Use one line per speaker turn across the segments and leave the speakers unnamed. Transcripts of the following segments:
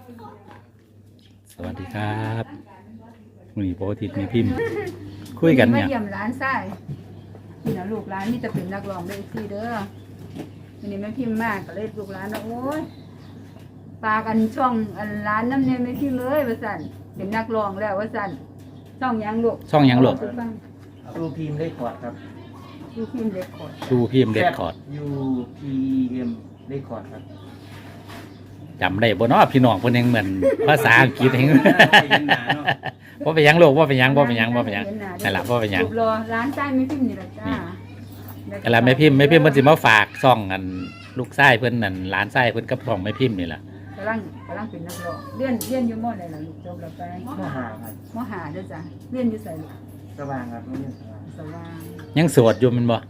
สวัสดีครับวันนี้โปรทิศมีพิมพ์คุยกันเนี่ย
มาเยี่ยมร้านไส้นี่นะลูกร้านนี่จะเป็นนักร้องได้ที่เด้อวันนี้แม่พิมพ์มากก็เลยลูกร้านนะโอ้ยปากันช่องอันร้านน้ำเนี่ยไม่พิมพ์เลยว่าสั่นเป็นนักร้องแล้วว่าสั่นช่องยังลูก
ช่องยังหลบ
ดูพิมพ์ได้ก่อนครับ
ดูพิมพ์เด็กกด
ดูพิมพ์เด็ดคอร์ด
UPM ได้ก่อนครับ
จำได้บ่เนาะพี่น้องเพิ่นยังเหมือนภาษาอังกฤษเองว่าเป็นหยังลูกว่าเป็นหยังนั่นล่ะว่าเป็นหยัง
รูปรอร้านไส้ไม่พิมพ์นี่แหละจ้า
นั่นล่ะไม่พิมพ์เพิ่นสิมาฝากซ่องกันลูกชายเพิ่นนั่นหลานชายเพิ่นกับช่องไม่พิมพ์นี่ล่ะ
กำลังเป็นนักร้องเรียนอยู่มอไหนล่ะลูกจบแล้วไป
มหาครับ
มหาเด้อจ้ะเรียนอยู่ไสลูก
สว่างครับไม่ใช่สว่าง
สว่าง
ยังโสวดอยู่แมันบ่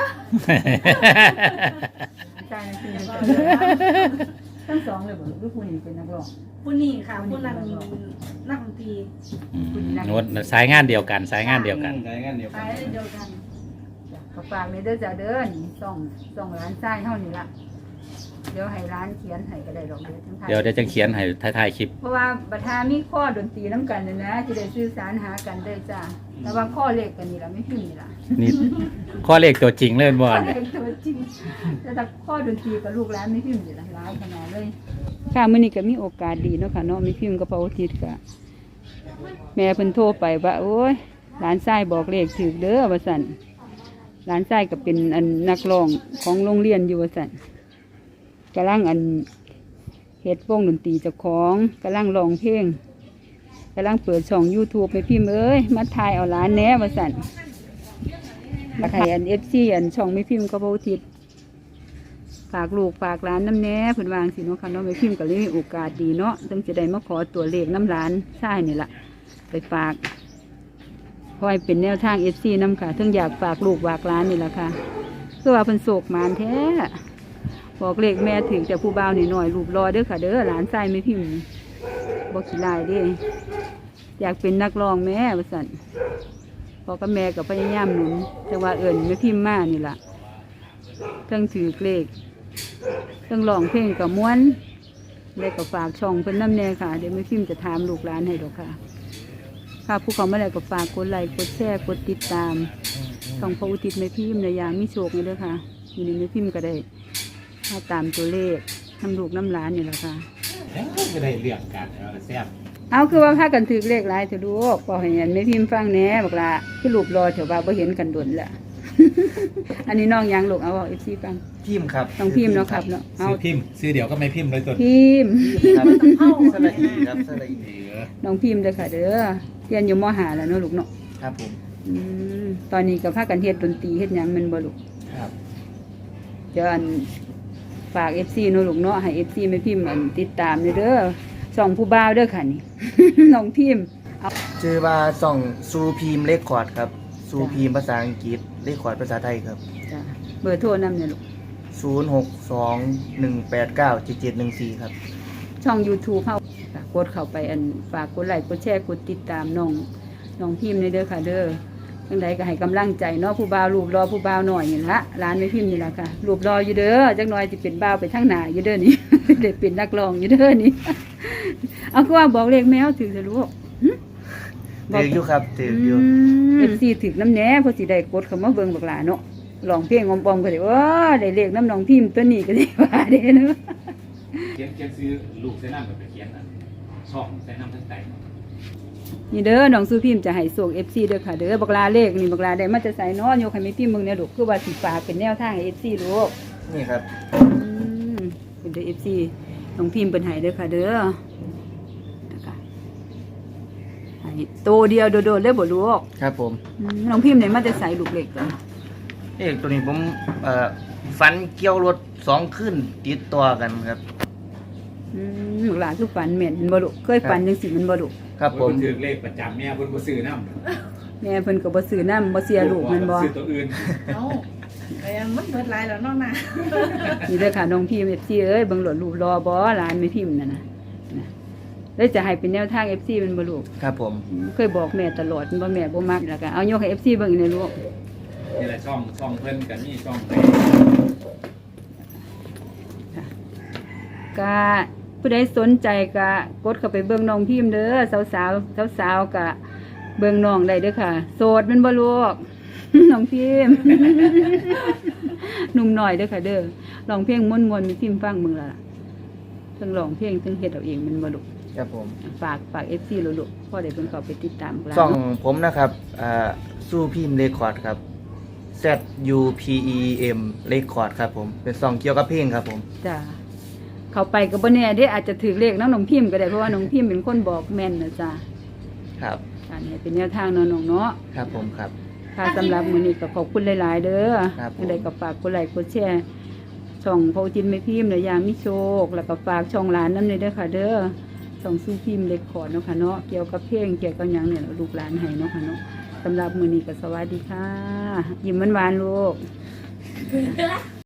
ใช่คือทั้งสองเลยบ่ลูกผู้นี้เป็นนักร้อง
ผู้นี่ค่ะผู้นั้นนักดนตรี
โน้ตสายงานเดียวกันสายงานเดียวกัน
ใช้งานเดียว
ไป
กัน
เดียวกัน
ก็ฝากในเด้อจ้ะเด้อนี่ส่องร้านไส้เฮานี่ล่ะเดี๋ยวให้ร้านเขียนให้ก็ได้ดอกทั้งไทย
เดี๋ยวจะเขียนให้ท้ายๆคลิป
เพราะว่าบัดหามีข้อดนตรีนํกันน่ะนะสิได้สื่อสารหากันได้จ้ะแต่ว่าข้อเลขกันนี่ล่ะไม่พิมพ์นี่ล่ะ
นี่ข้อเลขตัวจริงเลยบ่
ข้อ
เนี่
เลย ขตัวจริงแต่ถ้าข้อดนตรีกับลูกหลานไม่พิมพ์นี่ล่ะหลายขนาดเลยค่ะมื้อนี้ก็มีโอกาสดีเนาะค่ะเนาะไม่พิมพ์กับพระอุทิศก็แม่เพิ่นโทรไปว่าโอ้ยหลานชายบอกเลขถูกเด้อว่าซั่นหลานชายก็เป็นอันนักร้องของโรงเรียนอยู่ว่าซั่นกำลังอันเฮ็ดวงดนตรีเจ้าของกำลังร้องเพลงกำลังเปิดช่อง YouTube ให้พิมพ์เอ้ยมาถ่ายเอาหลานแหน่ว่าซั่นแล้วให้อัน FC อันช่องไม่พิมพ์กับพระอุทิศฝากลูกฝากหลานน้ำแหน่เพิ่นวาจั่งสิเนาะค่ะเนาะไม่พิมพ์ก็เลยมีโอกาสดีเนาะจึงจะได้มาขอตัวเลขน้ำหลานชายนี่ล่ะไปฝากเพราะให้เป็นแนวทาง FC นำค่ะถึงอยากฝากลูกฝากหลานนี่ล่ะค่ะคือว่าเพิ่นโศกหมานแท้บอกเลขแม่ถึงแต่ผู้บ่าวนี่หน่อยรูปรอเด้อค่ะเด้อหลานชายไม่พิมพ์บ่ขี้ลายเด้อยากเป็นนักร้องแม่ว่าซั่นพ่อกับแม่ก็พยายามหนุนแต่ว่าเอิ้นไม่พิมพ์มานี่ล่ะเทั้งถือเลขเทั้งร้องเพลงกับม้วนได้ก็ฝากช่องเพิ่นนำแน่ค่ะเดี๋ยวไม่พิมพ์จะถามลูกหลานให้ดอกค่ะค่ะผู้เขามาแล้วก็ฝากกดไลค์กดแชร์กดติดตามช่องพระอุทิศไม่พิมพ์ในอย่างมีโชคนี่เด้อค่ะอยู่ในไม่พิมพ์ก็ได้ถ้าตามตัวเลขทำลูกน้ำหลานนี่แหละค่ะ
ก็ได้เรื่องกันแซ่บ
เอาคือว่าพากันถือเลขหลายเถอะลูกพอให้เห็นไม่พิมพ์ฟังแหน่บอกละคือรูปรอเถอะว่าบ่เห็นกันดนแหละ อันนี้น้องยังลูกเอาเอฟซีฟัง
พิมพ์ครับ
ต้องพิมพ์เนาะครับเนาะเอา
ซื้อพิมพ์ซื้อเดี๋ยวก็ไม่พิมพ์เลยตัว
พิมพ์
ครับสระอีครับสระอี
น้องพิมพ์เด้อค่ะเด้อเรียนอยู่มหาแล้วเนาะลูกเนาะ
ครับผม
อืมตอนนี้ก็พากันเฮ็ดดนตรีเฮ็ดหยังแมันบ่ลูก
ครับ
เดี๋ยวอันฝาก FC เนาะลูกเนาะให้ FC ไม่พิมพ์อันติดตามเด้อส่องผู้บ่าวเด้อค่ะนี่ น้องพิมพ์
ชื่อว่าส่องซูพิมพ์เลขคอร์ดครับซูพิมพ์ภาษาอังกฤษเลขคอร์ดภาษาไทยครับ
จ้ะเบอร์โทรนำเนี่ยลูก
0621897714ครับ
ช่อง YouTube เฮาค่ะกดเข้าไปอันฝากกดไลค์กดแชร์กดติดตามน้องพิมพ์ในเด้อค่ะเด้อจังใดก็ให้กำลังใจเนาะผู้บ่าวรูปรอผู้บ่าวหน่อยนี่ละร้านไม่พิมพ์นี่ล่ะค่ะรูปรออยู่เด้อจักหน่อยสิเป็นบ่าวไปทางหน้าอยู่เด้อนี่ ได้เป็นนักร้องอยู่เด้อนี่ เอาคือว่าบอกเลขแมวถือซะลูก
ถืออยู่ครับถืออยู่
FC ถึกน้ำแหน่เพอสิได้กดเข้ามาเบิ่งบักหลาเนาะร้องเพลงอมๆก็ได้ได้เลขน้ำน้องพิมพ์ตัวนี้ก็ได้ว่าเด้เนาะ
เขียนซื้อลูกใส่น้ำแบบเขียนช่องใส่น้ำทั้งใจ
นี่เด้อน้องสู้พิมพ์จะให้ส่ง FC เด้อค่ะเด้อบักลาเลขนี่บักลาได้มาจะใส่เนาะโยกให้แม่พิมพ์เบิ่งแน่ลูกคือว่าสิฝากเป็นแนวทางให้ FC ลูก
นี่ครับ
เป็นเด้อ FC น้องพิมพ์เพิ่นให้เด้อค่ะเด้อนะคะให้โตเดียวโดดๆเลยบ่ลูก
ครับผม
น้องพิมพ์ได้มาจะใส่ลูกเล็กกัน
เลขตัวนี้ผมฟันเกี่ยวรถ2ขึ้นติดตัวกันครับ
บักลาคือฝันแม่นแม่นบ่ลูกเคยฝันจังซี่มันบ่ลูก
ครับผม
ถือเลขประจำแม่เพิ่นบ่ซื้อน้ำ
แม่เพิ่นก็บ่ซื้อน้ำบ่เสียลูกแม่นบ่
ซื้อตัวอื่น
เอ้าแต่ยังมันเบิดหลายแล้วเนาะนะ
นี่เด้อค่ะน้องพิมพ์ FC เอ้ยเบิ่งโหลดรูปรอบ่หลานไม่พิมพ์นั่นน่ะแล้วจะให้เป็นแนวทาง FC มันบ่ลูก
ครับผม
เคยบอกแม่ตลอดว่าแม่บ่มักแล้วก็เอายกให้ FC เบิ่งในลูก
นี่แหละช่องเพิ่นกันนี่ช่อง
ก็เพิ่นผู้ใดสนใจก็กดเข้าไปเบิ่งน้องพิมพ์เด้อสาวๆสาวๆก็เบิ่งน้องได้เด้อค่ะ โสดแม่นบ่ลูก น้องพิมพ์ หนุ่มหน่อยเด้อค่ะเด้อร้องเพลงม่วนๆมีพิมพ์ฟังมึงล่ะทั้งร้องเพลงทั้งเฮ็ดเอาเองแมันบ่ลูก
ครับผม
ฝาก FC ลูกๆพอได้เพิ่นเข้าไปติดตามกัน
ส่องผมนะครับสู้พิมพ์เรคคอร์ดครับ ZUPEM เรคคอร์ดครับผมเป็นส่องเกี่ยวกับเพลงครับผม
จ้ะเข้าไปก็บ่แน่เด้อาจจะถือเลขน้องพิมพ์ก็ได้เพราะว่าน้องพิมพ์เป็นคนบอกแม่นนะจ้ะ
ครับ
อันนี้เป็นแนวทางเนาะน้องเนาะ
ครับผมครับ
ค่ะสำหรับมื้อนี้ก็ขอบคุณหลายๆเด้อ
ครับผม
จังไดก็ฝากกดไลค์กดแชร์ช่องพอจินไม่พิมพ์และยามมิโชค แล้วก็ฝากช่องหลานนำเด้อค่ะเด้อช่องสู้พิมพ์เล็กขอดเนาะค่ะเนาะเกี่ยวกับเพลงเกี่ยวกับหยังเนี่ยลูกหลานให้เนาะค่ะเนาะสำหรับมื้อนี้ก็สวัสดีค่ะ ยิ้มหวานๆลูก